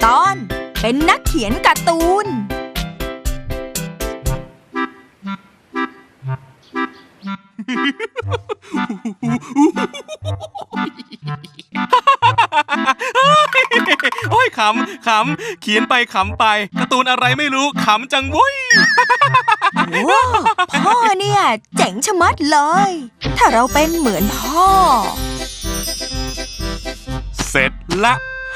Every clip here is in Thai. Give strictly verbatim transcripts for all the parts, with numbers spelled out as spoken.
ตอนเป็นนักเขียนการ์ตูนโอ้ยขำขำเขียนไปขำไปการ์ตูนอะไรไม่รู้ขำจังวุ้ยโอ้พ่อเนี่ยเจ๋งชะมัดเลยถ้าเราเป็นเหมือนพ่อเสร็จละ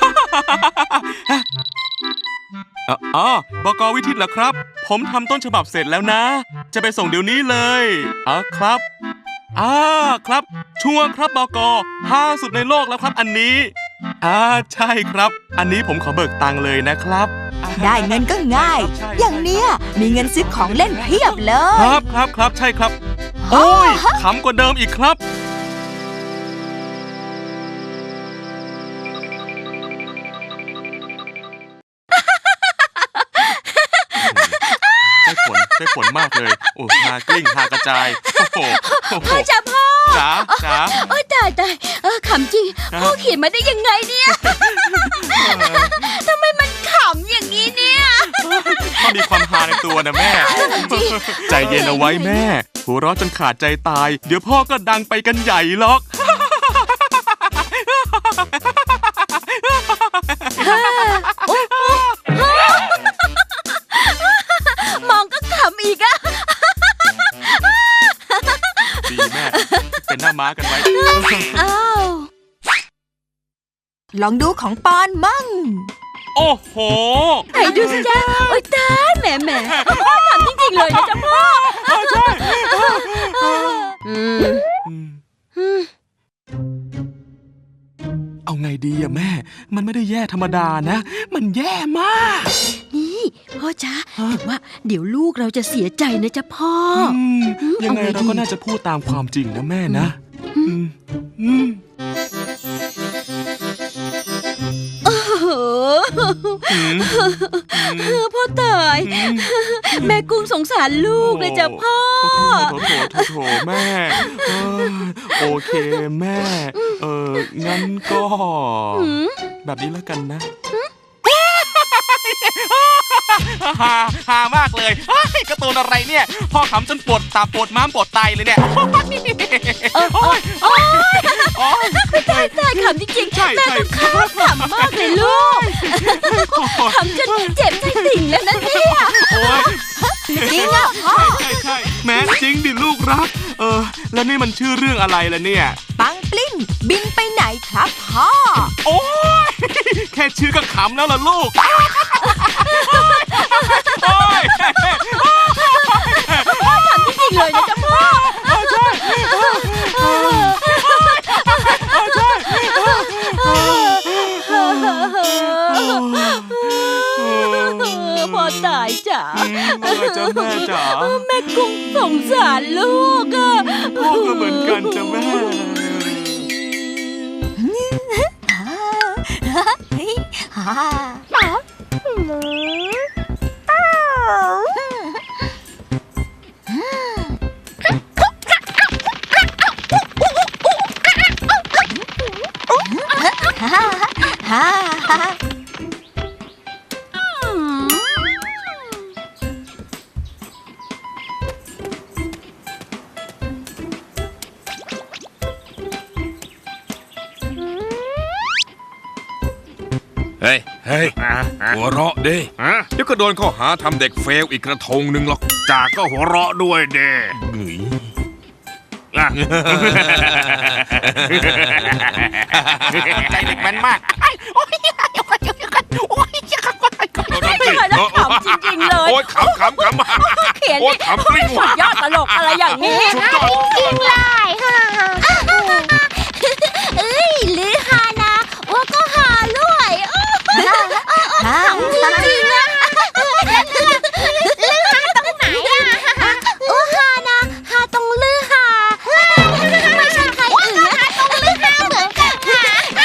อ๋อบก.วิทิตเหรอครับผมทำต้นฉบับเสร็จแล้วนะจะไปส่งเดี๋ยวนี้เลยอ๋อครับอ่าครับชัวร์ครับบก.ห้าสุดในโลกแล้วครับอันนี้อ่าใช่ครับอันนี้ผมขอเบิกตังค์เลยนะครับได้เงินก็ง่ายอย่างเนี้ยมีเงินซื้อของเล่นเพียบเลยครับครับครับใช่ครับโอ้ยขำกว่าเดิมอีกครับได้ผลได้ผลมากเลยโอ้ฮากลิ้งฮากระจายโอ้โหพ่อจ๋าพ่อจ๋าจ๋าโอ้ยตายตายเออขำจริงพ่อเขียนมาได้ยังไงเนี่ยทำไมมันขำอย่างนี้เนี่ยพ่อมีความฮาในตัวนะแม่ใจเย็นเอาไว้แม่หัวเราะจนขาดใจตายเดี๋ยวพ่อก็ดังไปกันใหญ่หรอกมองก็ขำอีกอะดีแม่เป็นหน้าม้ากันไว้อ้าวลองดูของปอนมั่งโอ้โหไหนดูสิจ๊ะโอ๊ยตายแหมแหมพ่อขำจริงๆเลยนะจ๊ะพ่อใช่เอาไงดีอะแม่มันไม่ได้แย่ธรรมดานะมันแย่มากนี่พ่อจ๊ะแต่ว่าเดี๋ยวลูกเราจะเสียใจนะจ๊ะพ่อยังไงเราก็น่าจะพูดตามความจริงนะแม่นะโอ้โหพ่อตายแม่กุ้งสงสารลูกเลยจ้ะพ่อโถโถโถโถแม่โอเคแม่เอองั้นก็แบบนี้แล้วกันนะฮาฮามากเลยการ์ตูนอะไรเนี่ยพ่อขำจนปวดตาปวดม้ามปวดไตเลยเนี่ยโอ้ยโอ้ยตายตายขำจริงๆแม่ต้องข้ามขำมากเลยลูกขำจนเจ็บใจติ่งแล้วนะเนี่ยจริงอ่ะพ่อใช่ใช่แม้จริงดิลูกรักเออแล้วนี่มันชื่อเรื่องอะไรล่ะเนี่ยปังปลิ้นบินไปไหนครับพ่อโอ้ยแค่ชื่อก็ขำแล้วล่ะลูกโอ้ยพ่อขำจริงๆเลยนะจ๊ะพ่อใช่ใช่พ่อตายจ๋าแม่จ๋าแม่จ๋าแม่กุ้งสงสารลูกอ่ะพ่อก็เหมือนกันจ้ะแม่เฮ้ยเฮ้ยหัวเราะดิเดี๋ยวก็โดนข้อหาทำเด็กเฟลอีกกระทงหนึ่งหรอกจ่าก็หัวเราะด้วยเด้ใจเด็กแม่นมากขำจริงๆเลยโอ๊ยขำขำขำเขียนนี่สุดยอดตลกอะไรอย่างนี้จริงเลยเอ้ยลือฮานะว่าก็ฮาด้วยขำจริงๆนะลือฮาตรงไหนอะโอ้ฮานะฮาตรงลือฮาไม่ใช่ใครอื่นนะตรงลือฮาเหมือนกันค่ะ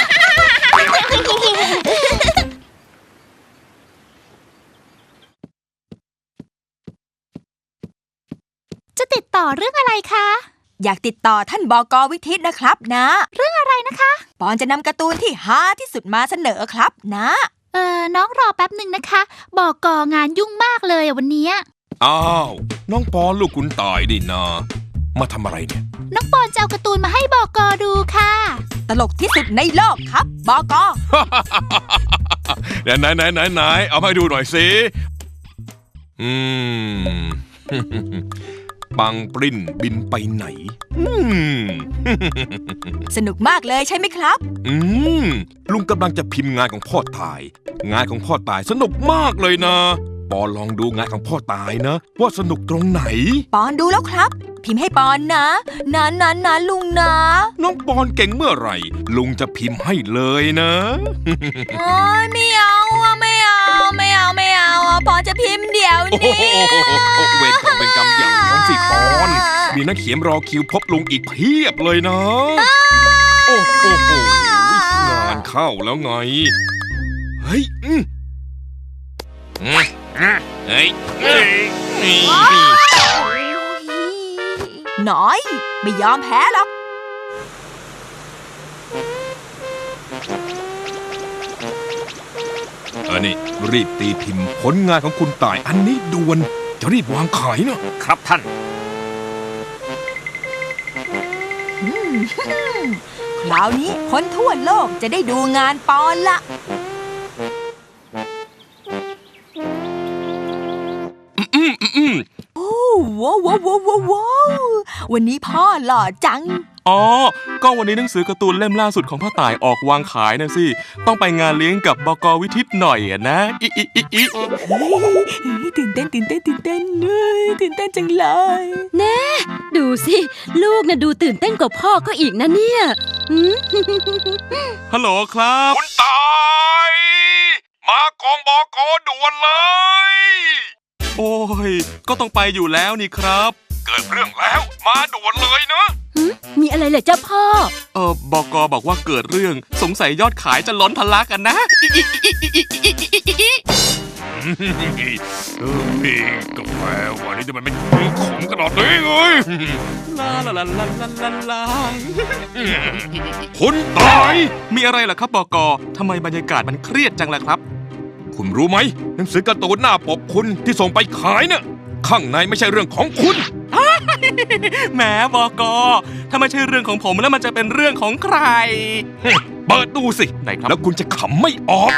จะติดต่อเรื่องอะไรคะอยากติดต่อท่านบก.วิทิตนะครับนะเรื่องอะไรนะคะปอนจะนำการ์ตูนที่ฮาที่สุดมาเสนอครับนะเออน้องรอแป๊บหนึ่งนะคะ บอกกองานยุ่งมากเลยอะวันเนี้ยอ้าวน้องปอนลูกคุณตายดินามาทำอะไรเนี่ยน้องปอนจะเอาการ์ตูนมาให้บอกกดูค่ะตลกที่สุดในโลกครับบอกไหนไหนไหนไหนไหนเอามาให้ดูหน่อยสิอืม ปังปริ้นบินไปไหน อืมสนุกมากเลยใช่ไหมครับอืมลุงกำลังจะพิมพ์งานของพ่อตาย งานของพ่อตายสนุกมากเลยนะปอลองดูงานของพ่อตายนะ ว่าสนุกตรงไหนปอนดูแล้วครับ พิมพ์ให้ปอนนะนะนะนะลุงนะน้องปอนเก่งเมื่อไหร่ ลุงจะพิมพ์ให้เลยนะโอ้ยไม่เอาอะไม่เอาไม่เอาไม่เอาอะปอนจะพิมพ์เดี๋ยวโอ้โหนี้เวรกรรมเป็นกรรมอย่างน้องสิปอน มีนักเขียนรอคิวพบลุงอีกเพียบเลยนะ โอ้โหงานเข้าแล้วไง เฮ้ยอืมอืมอ่ะเฮ้ยเฮ้ยนี่น้อย ไม่ยอมแพ้หรอกอันนี้รีบตีพิมพ์ผลงานของคุณต่ายอันนี้ด่วนจะรีบวางขายเนาะครับท่านคราวนี้คนทั่วโลกจะได้ดูงานปอนละอืมอืมอืมโอ้ว้าวว้าวว้าวว้าววันนี้พ่อหล่อจังอ๋อ ก็วันนี้หนังสือการ์ตูนเล่มล่าสุดของพ่อต่ายออกวางขายนะสิ ต้องไปงานเลี้ยงกับบก.วิทิตหน่อยอะนะอิอิอิอิเฮ้ยตื่นเต้นตื่นเต้นตื่นเต้นเฮ้ยตื่นเต้นจังเลยดูสิ ลูกน่ะดูตื่นเต้นกว่าพ่อก็อีกนะเนี่ยหืมฮัลโหลครับคุณตายมากองบอกอด่วนเลยโอ้ย ก็ต้องไปอยู่แล้วนี่ครับเกิดเรื่องแล้วมาด่วนเลยนะมีอะไรเหรอเจ้าพ่อเออบกบอกว่าเกิดเรื่องสงสัยยอดขายจะล้นทะลักกันนะอิอิอิอิอิอิอิอิเฮ้ยกาแฟวันนี้จะมันเป็นขมขนาดนี้เลยลาลาลาลาลาลาลาคุณตายมีอะไรล่ะครับบกทำไมบรรยากาศมันเครียดจังล่ะครับคุณรู้ไหมหนังสือการ์ตูนหน้าปกคุณที่ส่งไปขายเนี่ยข้างในไม่ใช่เรื่องของคุณแหมบกถ้าไม่ใช่เรื่องของผมแล้วมันจะเป็นเรื่องของใครเปิดดูสิไหนครับแล้วคุณจะขำไม่ออก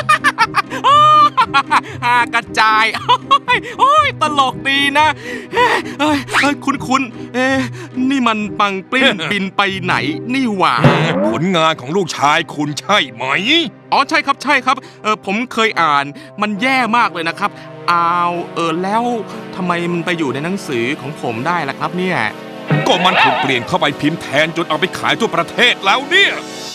ฮากระจาย โอ้ยตลกดีนะเอ้ยเอ้ยเอ้ยคุณคุณเอ๊ะนี่มันปังปลิ้น บินไปไหนนี่หว่าผลงานของลูกชายคุณใช่ไหมอ๋อใช่ครับใช่ครับเออผมเคยอ่านมันแย่มากเลยนะครับอ้าวเออแล้วทำไมมันไปอยู่ในหนังสือของผมได้ล่ะครับเนี่ยก็มันถูกเปลี่ยนเข้าไปพิมพ์แทนจนเอาไปขายทั่วประเทศแล้วเนี่ย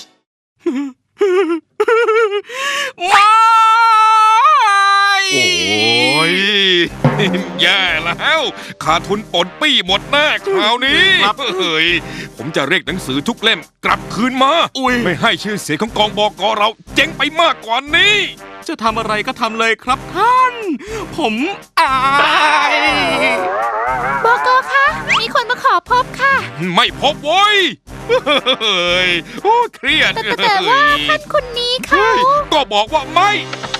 ไม่โอ้ย แย่แล้วขาดทุนปนปี้หมดแน่คราวนี้เฮ้ยผมจะเรียกหนังสือทุกเล่มกลับคืนมาอุ้ยไม่ให้ชื่อเสียงของกองบกเราเจ๊งไปมากกว่านี้จะทำอะไรก็ทำเลยครับท่าน ผมอายบอกคะ มีคนมาขอพบค่ะไม่พบโว้ยเฮ้ยโอ้เครียดแต่แต่แต่ว่าท่านคนนี้เขาเฮ้ยก็บอกว่าไม่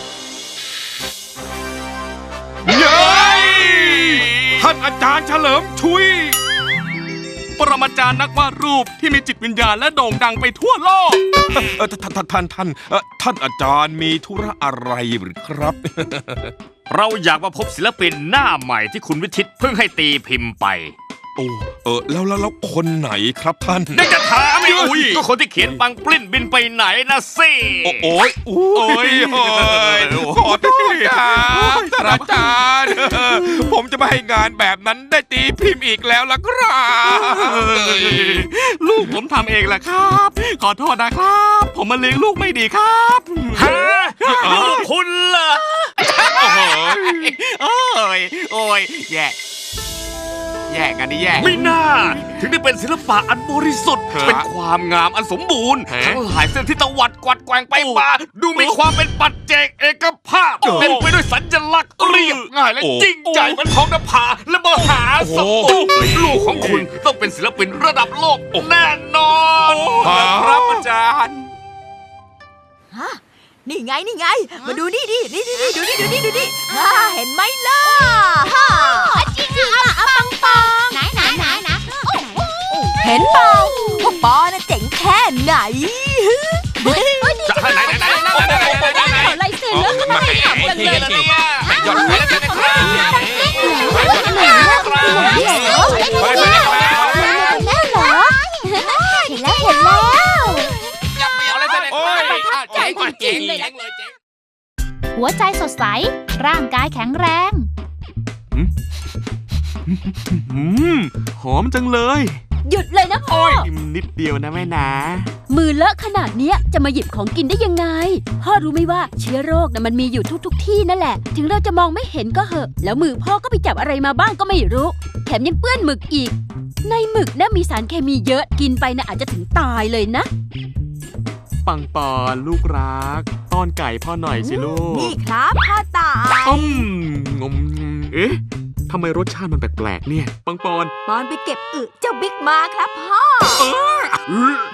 เย้ยท่านอาจารย์เฉลิมชุยปรมาจารย์นักวาดรูปที่มีจิตวิญญาณและโด่งดังไปทั่วโลกเออท่านท่านท่านท่านเอ่อท่านอาจารย์มีธุระอะไรหรือครับเราอยากมาพบศิลปินหน้าใหม่ที่คุณวิทิตเพิ่งให้ตีพิมพ์ไปโอ้เออแล้วแล้วแล้วคนไหนครับท่านได้จะถามอีกอุ้ยก็คนที่เขียนปังปลิ้นบินไปไหนนะสิโอ้โอ้ยโอ้ยโอ้ยขอโทษครับท่านอาจารย์ผมจะไม่ให้งานแบบนั้นได้ตีพิมพ์อีกแล้วล่ะครับลูกผมทำเองแหละครับ ขอโทษนะครับ ผมมาเลี้ยงลูกไม่ดีครับฮะลูกคุณเหรอโอ้ยโอ้ยแย่แย่กันนี่แย่ไม่น่า ถึงได้เป็นศิลปะอันบริสุทธิ์ฮะเป็นความงามอันสมบูรณ์ฮะทั้งหลายเส้นที่ตวัดกวัดแกว่งไปโอ้มาดูมีความเป็นปัจเจกเอกภาพโอ้เต็มไปด้วยสัญลักษณ์เรียบง่ายและโอ้จริงใจเหมือนท้องนภาและมหาสมุทรลูกของคุณต้องเป็นศิลปินระดับโลกแน่นอนครับอาจารย์นี่ไงนี่ไง มาดูนี่ดินี่นี่นี่ดูนี่ดูนี่ดูนี่ฮ่าเห็นไหมล่ะฮ่าจริงอ่ะปังปองไหนไหนไหนไหนเห็นเปล่าพวกปอน่ะเจ๋งแค่ไหนจะให้ไหนไหนไหนไหนไหนไหนไหนไหนขอลายเซ็นแล้วมาแข่งกันเลยนะเนี่ยยอดขายแล้วกันนะครับไปไปไปแล้วเหรอเห็นแล้วเห็นแล้วอย่าไปเอาอะไรกันเลยเจ๋งเจ๋งเลยเจ๋งหัวใจสดใสร่างกายแข็งแรงอืมหอมจังเลยหยุดเลยนะพ่อกินนิดเดียวนะแม่นะมือเลอะขนาดเนี้ยจะมาหยิบของกินได้ยังไง พ่อรู้ไหมว่าเชื้อโรคน่ะมันมีอยู่ทุกๆทที่นั่นแหละ ถึงเราจะมองไม่เห็นก็เหอะ แล้วมือพ่อก็ไปจับอะไรมาบ้างก็ไม่รู้ แถมยังเปื้อนหมึกอีก ในหมึกน่ะมีสารเคมีเยอะกินไปน่ะอาจจะถึงตายเลยนะปังปอนลูกรักต้อนไก่พ่อหน่อยสิลูกนี่ครับพ่อตาอืมงมเอ๊ะทำไมรสชาติมันแปลกๆเนี่ย ปังปอนปอนไปเก็บอึเจ้าบิ๊กมาครับพ่อเออ